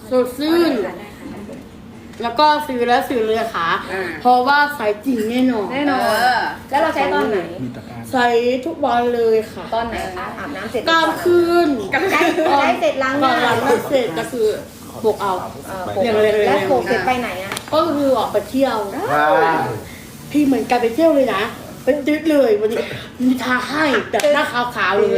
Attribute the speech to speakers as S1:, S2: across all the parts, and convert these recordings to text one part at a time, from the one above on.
S1: สดชื่นแล้วก็ซื้อแล้วซื้อเลยค่ะเพราะว่าใส่จริงแน่นอน
S2: แล้วเราใช้ตอนไหน
S1: ใส่ทุกวันเลยค่ะ
S2: ตอนไหนคะอาบน้ำเสร็จ
S1: กลางคืน
S2: ใช้เสร็จล้างห
S1: ก่อ
S2: น้าน
S1: ล้างหน้าเสร็จก็คือปลุกเอา อย่างเร็วๆ
S2: แล้วโขกเสร็จไปไหนอ่ะ
S1: ก็คือออกไปเที่ยวพี่เหมือนกันไปเที่ยวเลยนะเป็นดึกเลยวันนี้มีทาให้แบบหน้าขาวๆเลย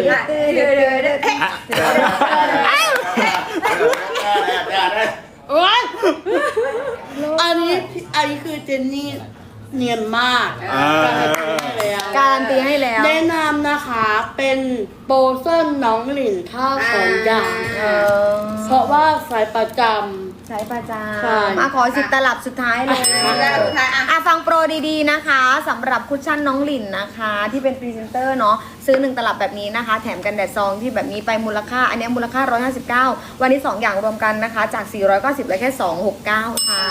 S1: โอ๊ยอันนี้คือเจนนี่เนียนมาก
S2: การันตีให้แล้ว
S1: แนะนำนะคะเป็นโปรเส้นน้องหลินข้าวของอย่างเพราะว่าสายประจำ
S2: ใช้ประจ
S1: ใช่
S2: ำมาขอ10 ตลับสุดท้ายเลยฟังโปรดีๆนะคะสำหรับคุชชั่นน้องหลินนะคะ ที่เป็นพรีเซนเตอร์เนาะซื้อ1 ตลับแบบนี้นะคะ แถมกันแดดซองที่แบบนี้ไปมูลค่าอันนี้มูลค่า159วันนี้2อย่างรวมกันนะคะจาก490เหลือแค่269ค่ะ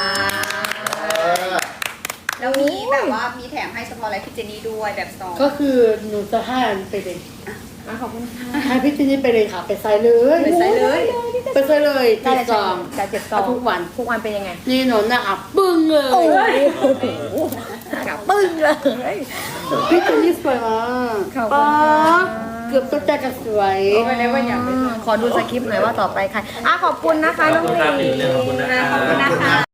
S3: แล้วมีแบบว่ามีแถมให้เฉพาะอะไรพี่เจนนี่ด้วยแบบซอง
S1: ก็คือหนูจะให้อันไปเลย
S2: ขอบคุณค่ะ
S1: ให้พี่เจนนี่ไปเลยค่ะ ไปใส่เลย
S3: ไปใส่เลย
S1: ไปใส่เลย
S2: ได้
S1: ติด
S2: เลย
S1: ซอง
S2: จาก7 ซอง
S1: ทุกวัน
S2: ทุกวันเป็นยังไง
S1: นี่หนูนะคะปึ้งเลย
S2: โอ้โหปึ้งเลย
S1: พี่เจนนี่สวยมาก
S2: ขอบคุณค่ะ
S1: ป๊าบเกือบตัวใจจะสวย
S2: ขอดูสคริปต์หน่อยว่าต่อไปใครขอบคุณนะคะน้องหลิน
S3: ขอบคุณนะคะ